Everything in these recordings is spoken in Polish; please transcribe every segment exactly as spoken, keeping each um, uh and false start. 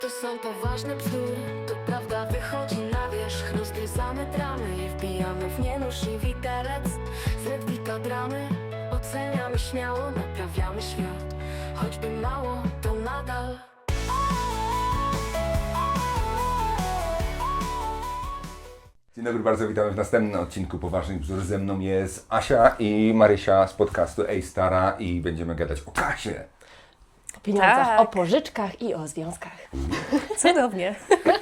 To są poważne bzdury, to prawda wychodzi na wierzch. Rozgryzamy dramy i wbijamy w nie nóż i widelec. Z Redwika dramy oceniamy śmiało, naprawiamy świat. Choćby mało, to nadal. Dzień dobry, bardzo witamy w następnym odcinku Poważnych Bzdur. Ze mną jest Asia i Marysia z podcastu Ej Stara i będziemy gadać o kasie. O pieniądzach, Tak. o pożyczkach i o związkach. Cudownie.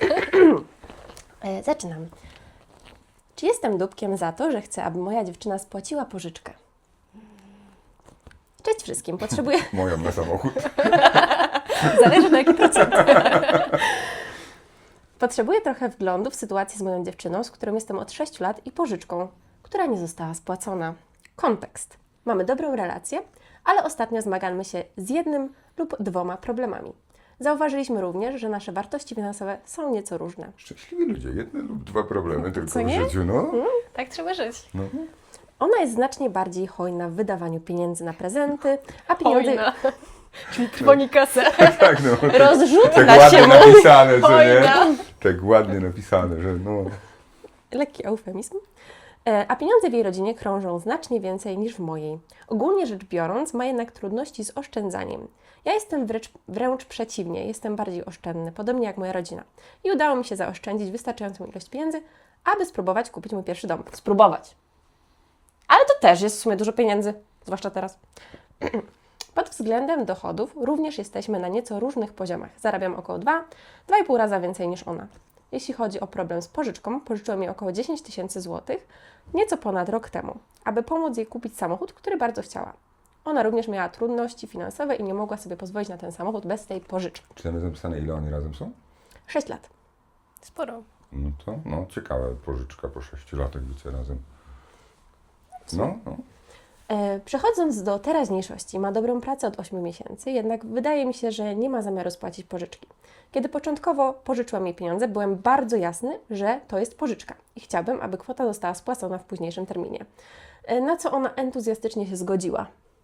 E, zaczynam. Czy jestem dupkiem za to, że chcę, aby moja dziewczyna spłaciła pożyczkę? Cześć wszystkim, potrzebuję... Moją na samochód. Zależy na jaki procent. Potrzebuję trochę wglądu w sytuację z moją dziewczyną, z którą jestem od sześciu lat i pożyczką, która nie została spłacona. Kontekst. Mamy dobrą relację, ale ostatnio zmagamy się z jednym lub dwoma problemami. Zauważyliśmy również, że nasze wartości finansowe są nieco różne. Szczęśliwi ludzie, jedne lub dwa problemy tylko Co w nie? życiu, no. Tak trzeba żyć. no. Ona jest znacznie bardziej hojna w wydawaniu pieniędzy na prezenty, a pieniądze Hojna. Czyli trwoni kasę. Tak, no. Tak, rozrzuca tak się ładnie mówi. napisane, co nie? Hojna. Tak ładnie napisane, że no. Lekki eufemizm. E, A pieniądze w jej rodzinie krążą znacznie więcej niż w mojej. Ogólnie rzecz biorąc, ma jednak trudności z oszczędzaniem. Ja jestem wręcz, wręcz przeciwnie, jestem bardziej oszczędny, podobnie jak moja rodzina. I udało mi się zaoszczędzić wystarczającą ilość pieniędzy, aby spróbować kupić mój pierwszy dom. Spróbować. Ale to też jest w sumie dużo pieniędzy, zwłaszcza teraz. Pod względem dochodów również jesteśmy na nieco różnych poziomach. Zarabiam około dwa, dwa i pół raza więcej niż ona. Jeśli chodzi o problem z pożyczką, pożyczyłem jej około dziesięć tysięcy złotych nieco ponad rok temu, aby pomóc jej kupić samochód, który bardzo chciała. Ona również miała trudności finansowe i nie mogła sobie pozwolić na ten samochód bez tej pożyczki. Czy tam jest napisane, ile oni razem są? sześć lat. Sporo. No to, no ciekawa pożyczka po sześciu latach bycia razem. No, no. E, Przechodząc do teraźniejszości, ma dobrą pracę od ośmiu miesięcy, jednak wydaje mi się, że nie ma zamiaru spłacić pożyczki. Kiedy początkowo pożyczyłam jej pieniądze, byłem bardzo jasny, że to jest pożyczka i chciałbym, aby kwota została spłacona w późniejszym terminie. E, Na co ona entuzjastycznie się zgodziła.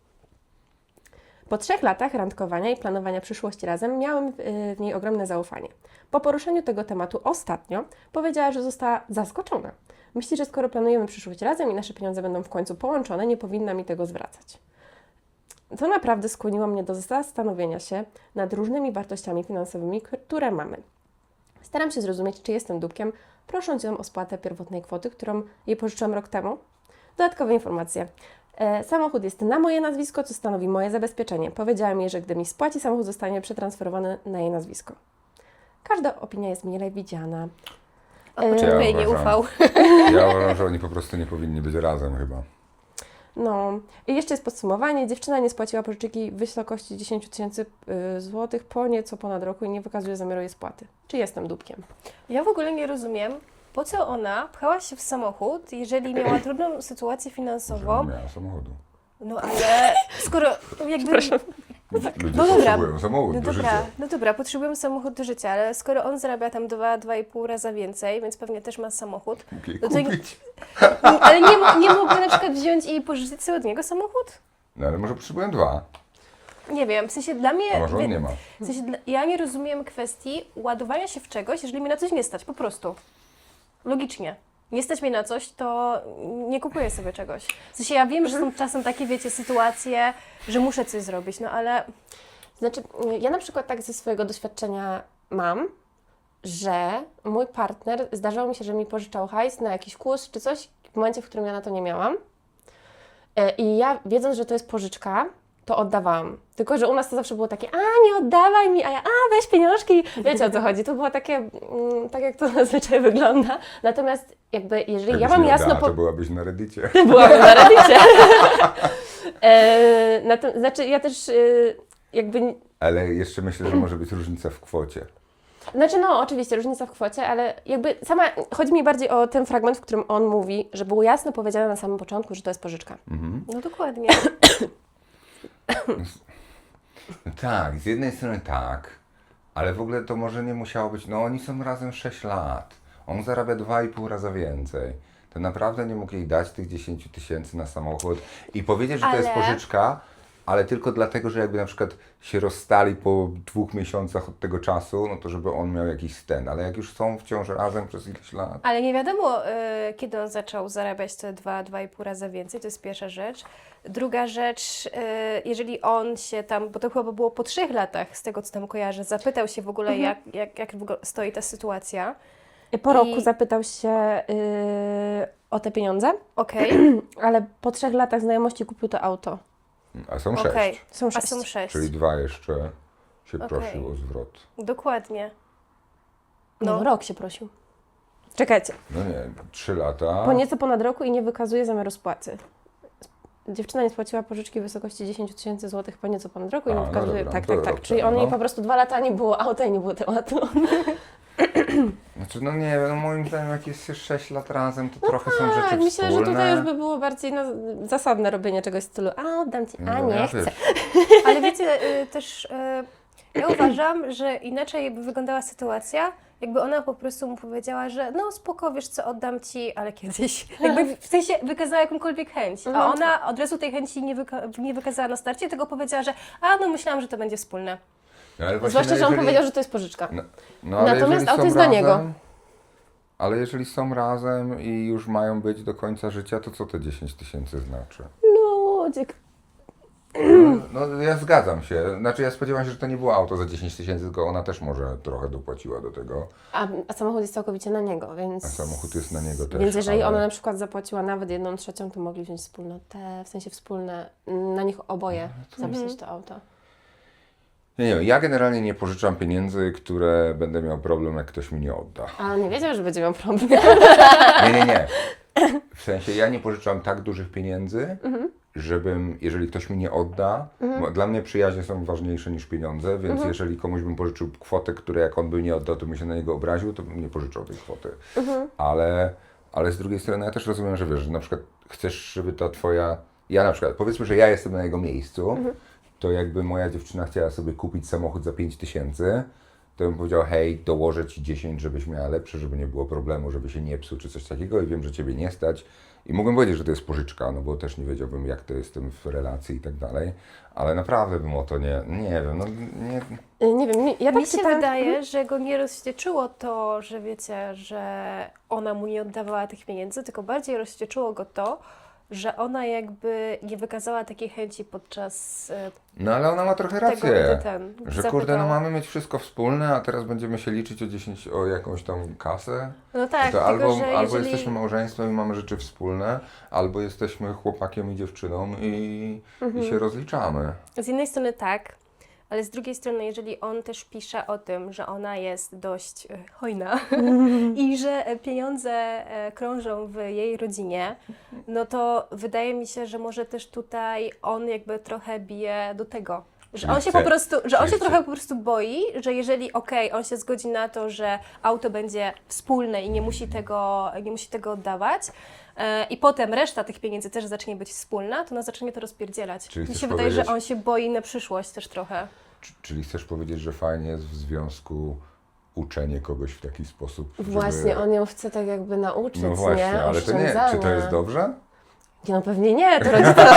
Po trzech latach randkowania i planowania przyszłości razem miałem w, y, w niej ogromne zaufanie. Po poruszeniu tego tematu ostatnio powiedziała, że została zaskoczona. Myśli, że skoro planujemy przyszłość razem i nasze pieniądze będą w końcu połączone, nie powinna mi tego zwracać. To naprawdę skłoniło mnie do zastanowienia się nad różnymi wartościami finansowymi, które mamy. Staram się zrozumieć, czy jestem dupkiem, prosząc ją o spłatę pierwotnej kwoty, którą jej pożyczyłam rok temu. Dodatkowe informacje. E, samochód jest na moje nazwisko, co stanowi moje zabezpieczenie. Powiedziałem jej, że gdy mi spłaci, samochód zostanie przetransferowany na jej nazwisko. Każda opinia jest mile widziana. A E, początku jej nie uważam. ufał. Ja uważam, że oni po prostu nie powinni być razem chyba. No i jeszcze jest podsumowanie. Dziewczyna nie spłaciła pożyczki w wysokości dziesięć tysięcy złotych po nieco ponad roku i nie wykazuje zamiaru jej spłaty. Czy jestem dupkiem? Ja w ogóle nie rozumiem, po co ona pchała się w samochód, jeżeli miała trudną sytuację Że finansową. nie miała samochodu. No ale skoro jakby... Ludzie No dobra. potrzebują samochód No do dobra, życia. no dobra, potrzebujemy samochód do życia, ale skoro on zarabia tam dwa, dwa i pół raza więcej, więc pewnie też ma samochód, Mógł jej no to- kupić. ale nie, mo- nie mógłby na przykład wziąć i pożyczyć sobie od niego samochód? No ale może potrzebują dwa. Nie wiem, w sensie dla mnie... A może on nie ma. W sensie dla, ja nie rozumiem kwestii ładowania się w czegoś, jeżeli mi na coś nie stać, po prostu. Logicznie. Nie stać mnie na coś, to nie kupuję sobie czegoś. W sensie ja wiem, że są czasem takie, wiecie, sytuacje, że muszę coś zrobić, no ale Znaczy, ja na przykład tak ze swojego doświadczenia mam, że mój partner, zdarzało mi się, że mi pożyczał hajs na jakiś kurs czy coś, w momencie, w którym ja na to nie miałam. E, I ja, wiedząc, że to jest pożyczka, to oddawałam. Tylko, że u nas to zawsze było takie, a nie oddawaj mi, a ja, a weź pieniążki. Wiecie o co chodzi. To było takie, mm, tak jak to zazwyczaj wygląda. Natomiast jakby, jeżeli ja Jakbyś mam nie jasno... oddała, po- to byłabyś na Reddicie. Byłabym na Reddicie. e, na to, znaczy, ja też e, jakby... Ale jeszcze myślę, że może być różnica w kwocie. Znaczy, no, oczywiście, różnica w kwocie, ale jakby sama, chodzi mi bardziej o ten fragment, w którym on mówi, że było jasno powiedziane na samym początku, że to jest pożyczka. Mhm. no dokładnie. No tak, z jednej strony tak, ale w ogóle to może nie musiało być, no oni są razem sześć lat, on zarabia dwa i pół raza więcej. To naprawdę nie mógł jej dać tych dziesięć tysięcy na samochód i powiedzieć, że to jest Ale- pożyczka, ale tylko dlatego, że jakby na przykład się rozstali po dwóch miesiącach od tego czasu, no to żeby on miał jakiś sten, ale jak już są wciąż razem przez ileś lat. Ale nie wiadomo, y, kiedy on zaczął zarabiać te dwa, dwa i pół razy więcej, to jest pierwsza rzecz. Druga rzecz, y, jeżeli on się tam, bo to chyba było po trzech latach, z tego co tam kojarzę, zapytał się w ogóle, Mhm. jak, jak, jak w ogóle stoi ta sytuacja. Po I- roku zapytał się yy, o te pieniądze, Okej, ale po trzech latach znajomości kupił to auto. A są sześć, okej, Są a sześć. są sześć. czyli dwa jeszcze się Okej. prosił o zwrot. Dokładnie. No, No. rok się prosił. Czekajcie, No nie, trzy lata. po nieco ponad roku i nie wykazuje zamiaru spłaty. Dziewczyna nie spłaciła pożyczki w wysokości dziesięć tysięcy złotych po nieco ponad roku i A, nie no wykazuje. dobra, tak, to tak, tak. rok Czyli temu, on jej no. po prostu dwa lata nie było auta i nie było tematu. Znaczy, no nie wiem, no moim zdaniem jak jest się sześć lat razem, to trochę są rzeczy Tak, myślę, wspólne. że tutaj już by było bardziej na, zasadne robienie czegoś w stylu a oddam ci, a No, nie ja chcę. wiesz, Ale wiecie, y, też y, ja uważam, że inaczej by wyglądała sytuacja, jakby ona po prostu mu powiedziała, że no spoko, wiesz co, oddam ci, ale kiedyś. Jakby w sensie wykazała jakąkolwiek chęć, a Mhm. ona od razu tej chęci nie, wyka- nie wykazała na starcie, tylko powiedziała, że a no myślałam, że to będzie wspólne. no, ale właśnie, Zwłaszcza, no, że on jeżeli- powiedział, że to jest pożyczka. No, no, ale Natomiast jeżeli auto są jest dla niego. razem- Ale jeżeli są razem i już mają być do końca życia, to co te dziesięć tysięcy znaczy? Ludzie, No, no ja zgadzam się. Znaczy ja spodziewałem się, że to nie było auto za dziesięć tysięcy, tylko ona też może trochę dopłaciła do tego. a, a samochód jest całkowicie na niego, więc... A samochód jest na niego też. Więc jeżeli ale... ona na przykład zapłaciła nawet jedną trzecią, to mogli wziąć wspólnotę, w sensie wspólne, na nich oboje zapisać to auto. Nie, nie, ja generalnie nie pożyczam pieniędzy, które będę miał problem, jak ktoś mi nie odda. Ale on nie wiedział, że będzie miał problem. Nie, nie, nie. W sensie ja nie pożyczam tak dużych pieniędzy, żebym, jeżeli ktoś mi nie odda, bo dla mnie przyjaźnie są ważniejsze niż pieniądze, więc jeżeli komuś bym pożyczył kwotę, której jak on by nie oddał, to bym się na niego obraził, to bym nie pożyczał tej kwoty. Ale, ale z drugiej strony ja też rozumiem, że wiesz, że na przykład chcesz, żeby ta twoja, ja na przykład, powiedzmy, że ja jestem na jego miejscu, to jakby moja dziewczyna chciała sobie kupić samochód za pięć tysięcy, to bym powiedział, hej, dołożę ci dziesięć, żebyś miała lepsze, żeby nie było problemu, żeby się nie psuł czy coś takiego i wiem, że ciebie nie stać. I mógłbym powiedzieć, że to jest pożyczka, no bo też nie wiedziałbym, jak to jestem w relacji i tak dalej, ale naprawdę bym o to nie, nie wiem, no nie... Nie wiem, mi- ja tak Mi się czytałam- wydaje, że go nie rozwścieczyło to, że wiecie, że ona mu nie oddawała tych pieniędzy, tylko bardziej rozwścieczyło go to, że ona jakby nie wykazała takiej chęci podczas e, No ale ona ma trochę tego, rację, gdy ten że zapytał. kurde, no mamy mieć wszystko wspólne, a teraz będziemy się liczyć o dziesięć, o jakąś tam kasę. No tak, to tylko albo, że albo jeżeli... jesteśmy małżeństwem i mamy rzeczy wspólne, albo jesteśmy chłopakiem i dziewczyną i, i się rozliczamy. Z jednej strony tak, ale z drugiej strony, jeżeli on też pisze o tym, że ona jest dość e, hojna i że e, pieniądze e, krążą w jej rodzinie, no to wydaje mi się, że może też tutaj on jakby trochę bije do tego. Że Czyli on się chce- po prostu, że on czyli się chce- trochę po prostu boi, że jeżeli okej, on się zgodzi na to, że auto będzie wspólne i nie musi tego, nie musi tego oddawać, e, i potem reszta tych pieniędzy też zacznie być wspólna, to ona zacznie to rozpierdzielać. Czyli Mi chcesz się wydaje, że powiedzieć- on się boi na przyszłość też trochę. Czy- Czyli chcesz powiedzieć, że fajnie jest w związku uczenie kogoś w taki sposób, żeby... Właśnie, on ją chce tak jakby nauczyć, No właśnie, nie? ale to nie, czy to Oszczędzania. jest dobrze? Nie, no pewnie nie, to rodzice...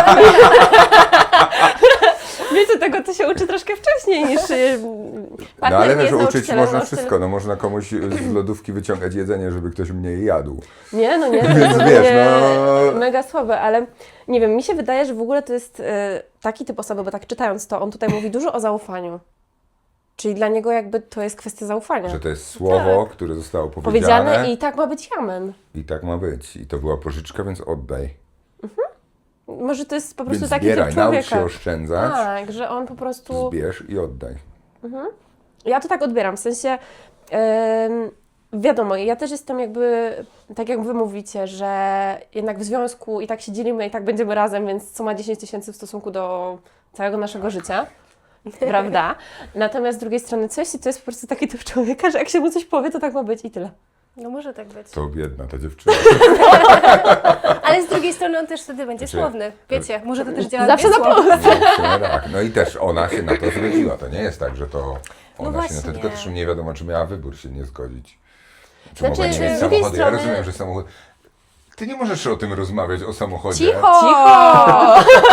Wiecie, tego to się uczy troszkę wcześniej niż... y, No partner ale nie wiesz, jest uczyć nauczycielem, można nauczyciel- wszystko, no można komuś z lodówki wyciągać jedzenie, żeby ktoś mniej jadł. Nie, no nie, to Więc jest wiesz, pewnie no- mega słabe, ale nie wiem, mi się wydaje, że w ogóle to jest y, taki typ osoby, bo tak czytając to, on tutaj mówi dużo o zaufaniu. Czyli dla niego jakby to jest kwestia zaufania. Że to jest słowo, które zostało powiedziane, Powiedziane i tak ma być jamen. i tak ma być. I to była pożyczka, więc oddaj. Może to jest po prostu Więc taki zbieraj, typ naucz człowieka. się oszczędzać, Tak, że on po prostu... zbierz i oddaj. Ja to tak odbieram, w sensie em, wiadomo, ja też jestem jakby, tak jak wy mówicie, że jednak w związku i tak się dzielimy i tak będziemy razem, więc co ma dziesięć tysięcy w stosunku do całego naszego życia, prawda? Natomiast z drugiej strony coś, to jest po prostu taki typ człowieka, że jak się mu coś powie, to tak ma być i tyle. No może tak być. To biedna ta dziewczyna. Ale z drugiej strony on też wtedy będzie Znaczy, słowny. Wiecie, może to też działa Zawsze dwie na słowa. plus. No, w sumie tak. No i też ona się na to zgodziła. To nie jest tak, że to ona No się na to, właśnie. tylko też nie wiadomo, czy miała wybór się nie zgodzić. Czy Znaczy, mogła nie z mieć drugiej samochodu. Ja strony- rozumiem, że samochód... Ty nie możesz o tym rozmawiać, o samochodzie. Cicho! Cicho!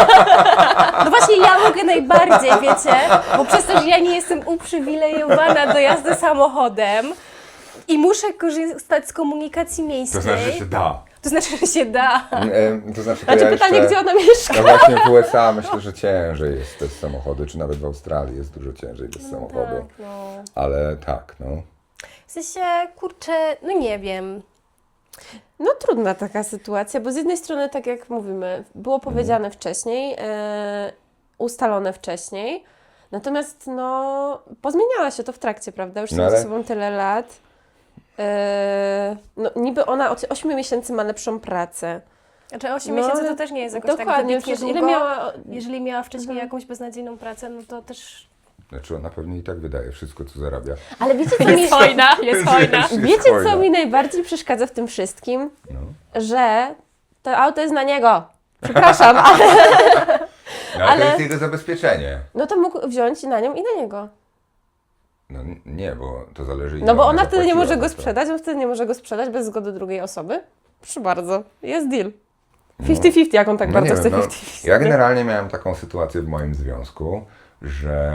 No właśnie ja mogę najbardziej, wiecie, bo przez to, że ja nie jestem uprzywilejowana do jazdy samochodem i muszę korzystać z komunikacji To miejskiej. znaczy, że się da. To znaczy, że się da. E, To znaczy, to Znaczy ja pytanie, jeszcze, gdzie ona mieszka? No właśnie w U S A myślę, że ciężej jest bez samochodu, czy nawet w Australii jest dużo ciężej bez samochodu. Tak, no. Ale tak, no. W sensie, kurczę, no nie wiem. No trudna taka sytuacja, bo z jednej strony, tak jak mówimy, było powiedziane wcześniej, e, ustalone wcześniej, natomiast no pozmieniała się to w trakcie, prawda? Już są No ale- ze sobą tyle lat. E, no niby ona od ośmiu miesięcy ma lepszą pracę. Znaczy osiem No, miesięcy ale to też nie jest jakoś tak Dokładnie, wybitnie przecież ile długo. miała... Jeżeli miała wcześniej Mhm. jakąś beznadziejną pracę, no to też... Znaczy ona pewnie i tak wydaje wszystko, co zarabia. Ale wiecie, co mi, Jest hojna, jest hojna. Jest wiecie, hojna. co mi najbardziej przeszkadza w tym wszystkim? No. Że to auto jest na niego. Przepraszam, ale No, ale, Ale- to jest jego zabezpieczenie. no to mógł wziąć i na nią i na niego. No n- nie, bo to zależy ile No bo ona ona wtedy nie zapłaciła może go za to. sprzedać, on wtedy nie może go sprzedać bez zgody drugiej osoby. Proszę bardzo, jest deal. No. pięćdziesiąt pięćdziesiąt, jak on tak No bardzo nie chce wiem, no, pięćdziesiąt pięćdziesiąt. ja generalnie miałem taką sytuację w moim związku, że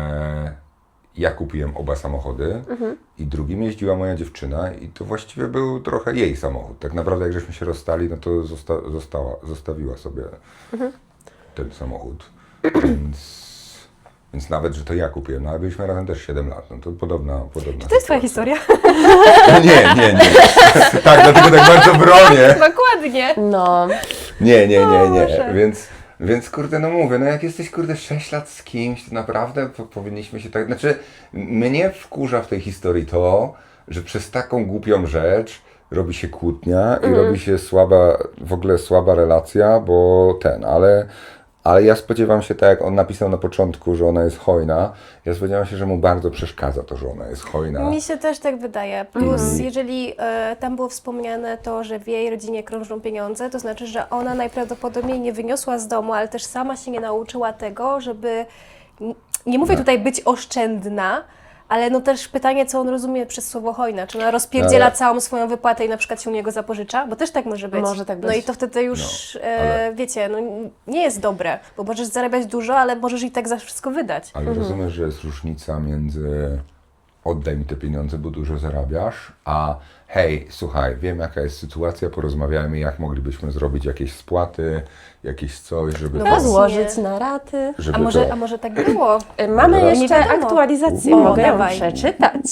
ja kupiłem oba samochody Mhm. i drugim jeździła moja dziewczyna i to właściwie był trochę jej samochód. Tak naprawdę jak żeśmy się rozstali, no to zosta- została, zostawiła sobie Mhm. ten samochód. Więc, więc nawet, że to ja kupiłem, no ale byliśmy razem też siedem lat, no to podobna, podobna To jest twoja sytuacja. historia? No nie, nie, nie. Tak, dlatego tak bardzo bronię. Dokładnie. No, Nie, nie, nie, nie. Boże. Więc, więc kurde, no mówię, no jak jesteś kurde sześć lat z kimś, to naprawdę po, powinniśmy się tak. Znaczy, mnie wkurza w tej historii to, że przez taką głupią rzecz robi się kłótnia i robi się słaba, w ogóle słaba relacja, bo ten, ale. Ale ja spodziewam się, tak jak on napisał na początku, że ona jest hojna, ja spodziewam się, że mu bardzo przeszkadza to, że ona jest hojna. Mi się też tak wydaje. Plus, Mhm. jeżeli e, tam było wspomniane to, że w jej rodzinie krążą pieniądze, to znaczy, że ona najprawdopodobniej nie wyniosła z domu, ale też sama się nie nauczyła tego, żeby, n- nie mówię tutaj być oszczędna, ale no też pytanie, co on rozumie przez słowo hojna. Czy ona rozpierdziela Ale- całą swoją wypłatę i na przykład się u niego zapożycza? Bo też tak może być. Może tak No być. i to wtedy już, No, e, ale- wiecie, no nie jest dobre, bo możesz zarabiać dużo, ale możesz i tak za wszystko wydać. Ale rozumiesz, że jest różnica między oddaj mi te pieniądze, bo dużo zarabiasz, a hej, słuchaj, wiem jaka jest sytuacja, porozmawiajmy, jak moglibyśmy zrobić jakieś spłaty, jakieś coś, żeby No to, właśnie. rozłożyć na raty. żeby A może, to... a może tak było? E, Mamy Dobra. jeszcze Nie wiadomo. aktualizację, O, mogę ją dawaj. przeczytać.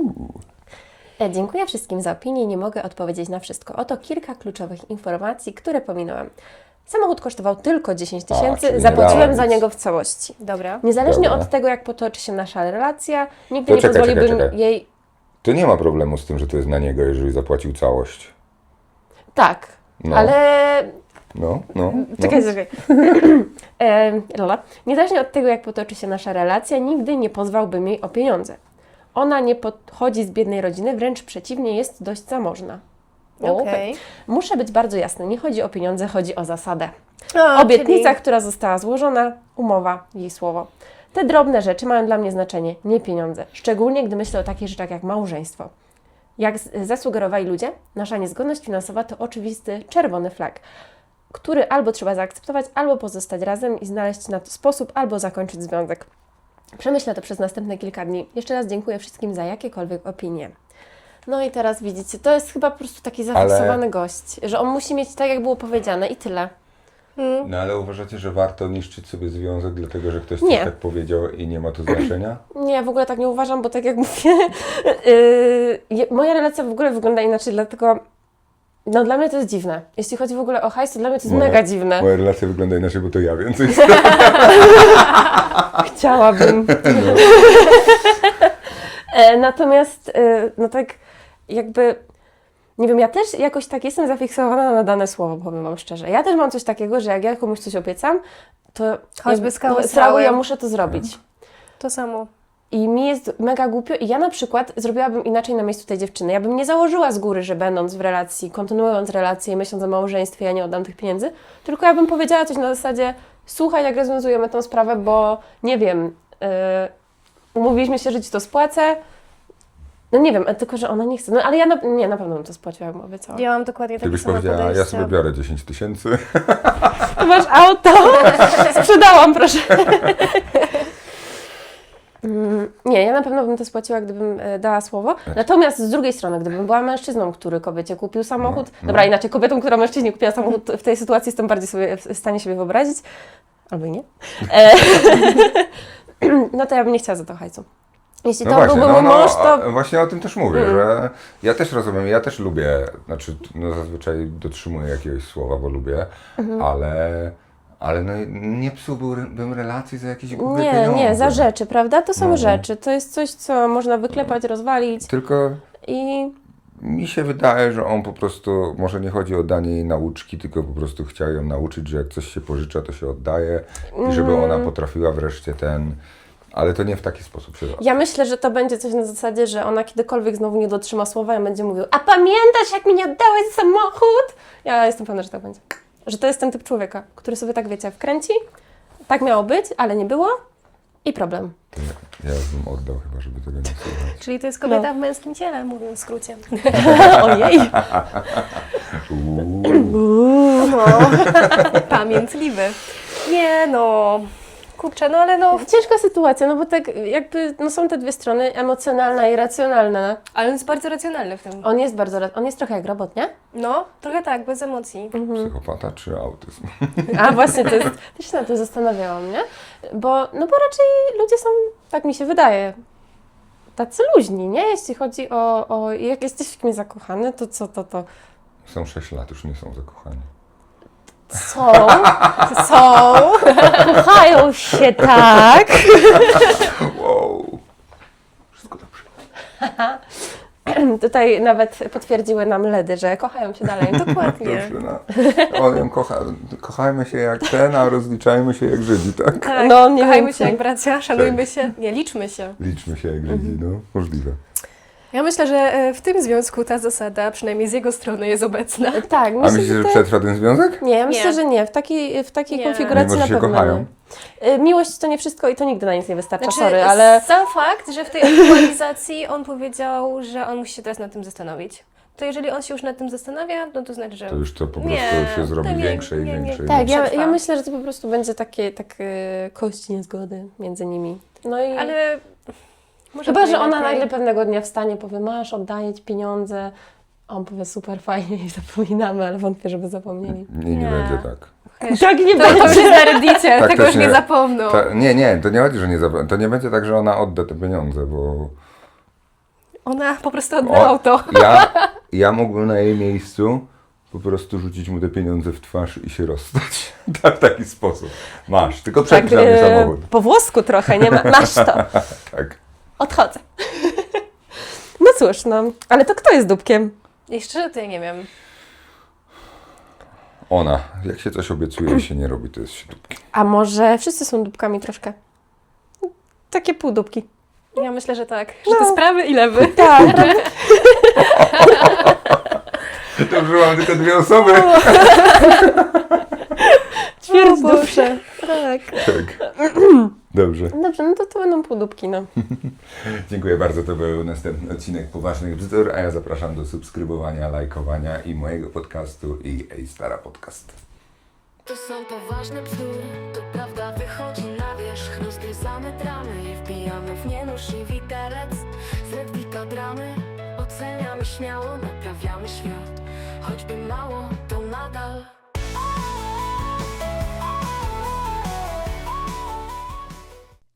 E, Dziękuję wszystkim za opinię, nie mogę odpowiedzieć na wszystko. Oto kilka kluczowych informacji, które pominąłem. Samochód kosztował tylko dziesięć A, czyli tysięcy, nie zapłaciłem dałem za nic. niego w całości. Dobra. Niezależnie Dobra. od tego, jak potoczy się nasza relacja, nigdy To nie czekaj, pozwoliłbym czekaj, czekaj. jej... To nie ma problemu z tym, że to jest na niego, jeżeli zapłacił całość. Tak, No. ale... No, no. no. Czekaj, czekaj. e, Lola. Niezależnie od tego, jak potoczy się nasza relacja, nigdy nie pozwałbym jej o pieniądze. Ona nie pochodzi z biednej rodziny, wręcz przeciwnie, jest dość zamożna. Okej. Muszę być bardzo jasny, nie chodzi o pieniądze, chodzi o zasadę. O, Obietnica, czyli- która została złożona, umowa, jej słowo. Te drobne rzeczy mają dla mnie znaczenie, nie pieniądze. Szczególnie, gdy myślę o takich rzeczach jak małżeństwo. Jak z- zasugerowali ludzie, nasza niezgodność finansowa to oczywisty czerwony flag, który albo trzeba zaakceptować, albo pozostać razem i znaleźć na to sposób, albo zakończyć związek. Przemyślę to przez następne kilka dni. Jeszcze raz dziękuję wszystkim za jakiekolwiek opinie. No i teraz widzicie, to jest chyba po prostu taki zafiksowany gość, że on musi mieć tak, jak było powiedziane i tyle. No ale uważacie, że warto niszczyć sobie związek, dlatego że ktoś Nie. coś tak powiedział i nie ma to znaczenia? Nie, w ogóle tak nie uważam, bo tak jak mówię, yy, moja relacja w ogóle wygląda inaczej, dlatego no dla mnie to jest dziwne. Jeśli chodzi w ogóle o hajs, to dla mnie to jest Moja- mega dziwne. Moja relacja wygląda inaczej, bo to ja więcej. Chciałabym. e, natomiast, e, no tak jakby, nie wiem, ja też jakoś tak jestem zafiksowana na dane słowo, powiem Wam szczerze. Ja też mam coś takiego, że jak ja komuś coś obiecam, to Choćby skały no, srały. ja muszę to zrobić. To samo. I mi jest mega głupio i ja na przykład zrobiłabym inaczej na miejscu tej dziewczyny. Ja bym nie założyła z góry, że będąc w relacji, kontynuując relację i myśląc o małżeństwie, ja nie oddam tych pieniędzy, tylko ja bym powiedziała coś na zasadzie, słuchaj, jak rozwiązujemy tą sprawę, bo nie wiem, yy, umówiliśmy się, że Ci to spłacę, No nie wiem, tylko że ona nie chce. No ale ja na, nie, na pewno bym to spłaciła, jak obiecała. Ja mam dokładnie Ty takie byś same powiedziała, ja podejście. sobie biorę dziesięć tysięcy. Ty masz auto? Sprzedałam, proszę. Mm, Nie, ja na pewno bym to spłaciła, gdybym e, dała słowo. Natomiast z drugiej strony, gdybym była mężczyzną, który kobiecie kupił samochód, No, no. dobra, inaczej kobietą, która mężczyźnie kupiła samochód, w tej sytuacji jestem bardziej sobie w stanie siebie wyobrazić, albo i nie, e, no to ja bym nie chciała za to hajcu. Jeśli No to właśnie, byłby no, mój no, mąż, to... a- właśnie o tym też mówię, że ja też rozumiem, ja też lubię, znaczy no zazwyczaj dotrzymuję jakiegoś słowa, bo lubię, Mhm. ale, ale no, nie psułbym relacji za jakieś głupie Nie, pieniądze. nie, za rzeczy, prawda? To są No. rzeczy, to jest coś, co można wyklepać, rozwalić Tylko i... mi się wydaje, że on po prostu, może nie chodzi o danie jej nauczki, tylko po prostu chciał ją nauczyć, że jak coś się pożycza, to się oddaje i żeby Mm. ona potrafiła wreszcie ten, ale to nie w taki sposób się robi. Ja myślę, że to będzie coś na zasadzie, że ona kiedykolwiek znowu nie dotrzyma słowa i będzie mówił: a pamiętasz, jak mi nie oddałeś samochód? Ja jestem pewna, że tak będzie. Że to jest ten typ człowieka, który sobie tak, wiecie, wkręci, tak miało być, ale nie było i problem. To ja, ja bym oddał chyba, żeby tego nie słuchać. Czyli to jest kobieta No. w męskim ciele, mówiąc w skrócie. Ojej! Uuu. No, pamiętliwy. Nie no, kurczę, no ale no, Ciężka sytuacja, no bo tak jakby no są te dwie strony, emocjonalna i racjonalna. ale on jest bardzo racjonalny w tym. On jest bardzo, ra- on jest trochę jak robot, nie? No, trochę tak, bez emocji. Psychopata czy autyzm? A właśnie, to jest, też się na tym zastanawiałam, nie? Bo, no bo raczej ludzie są, tak mi się wydaje, tacy luźni, nie? Jeśli chodzi o, o jak jesteś w kimś zakochany, to co to, to Są sześć lat, już nie są zakochani. są, są, kochają się tak. Wow. Wszystko dobrze. Tutaj nawet potwierdziły nam ledy, że kochają się dalej. Dokładnie. Dobrze, no. On ją kocha. Kochajmy się jak ten, a rozliczajmy się jak Żydzi, tak? Tak, No, nie kochajmy więcej. się jak bracia, szanujmy się, nie, liczmy się. Liczmy się jak Żydzi, no. Możliwe. Ja myślę, że e, w tym związku ta zasada, przynajmniej z jego strony, jest obecna. Tak, A myślę, myślisz, że to- przetrwa ten związek? Nie, ja myślę, Nie. że nie. W takiej, w takiej Nie. konfiguracji Mimo, że na się pewno kochają? nie. Y, Miłość to nie wszystko i to nigdy na nic nie wystarcza, Znaczy, sorry, ale... sam fakt, że w tej aktualizacji on powiedział, że on musi się teraz nad tym zastanowić. To jeżeli on się już nad tym zastanawia, no to znaczy, że... To już to po Nie, prostu się zrobi to nie, większe i nie, nie. większe. i Tak, większe. ja, przetrwa. ja myślę, że to po prostu będzie takie tak, y, kości niezgody między nimi. No i Ale... Może chyba, to że ona lepiej. nagle pewnego dnia wstanie, powie: masz, oddaję ci pieniądze. A on powie: super, fajnie i zapominamy, ale wątpię, żeby zapomnieli. Nie, nie Nie. będzie tak. Tak nie To, to już będzie. jest na Reddicie, Tak tego też już nie nie- zapomną. Ta, nie, nie, to nie chodzi, że nie zapomnę. To nie będzie tak, że ona odda te pieniądze, bo Ona po prostu odda O, auto. ja, ja mógłbym na jej miejscu po prostu rzucić mu te pieniądze w twarz i się rozstać. Tak, w taki sposób. Masz, tylko przepisz na mnie y, samochód. po włosku trochę, nie ma, masz to. Tak. Odchodzę. No cóż, no, ale to kto jest dupkiem? I szczerze to ja nie wiem. Ona, jak się coś obiecuje i się nie robi, to jest się dupkiem. A może wszyscy są dupkami troszkę? Takie półdupki. Ja myślę, że tak. Że to jest prawy i lewy. Tak. Dobrze, mam tylko dwie osoby. Ćwierć duszy. Tak. Tak. Dobrze. Dobrze, no to to będą półdupki, no. Dziękuję bardzo. To był następny odcinek Poważnych Bzdur, a ja zapraszam do subskrybowania, lajkowania i mojego podcastu i Ej Stara Podcast. To są poważne bzdury, to prawda wychodzi na wierzch. Rozgryzamy dramy i wbijamy w nie nóż i widelec. Z Redwika dramy oceniamy śmiało, naprawiamy świat, choćby mało.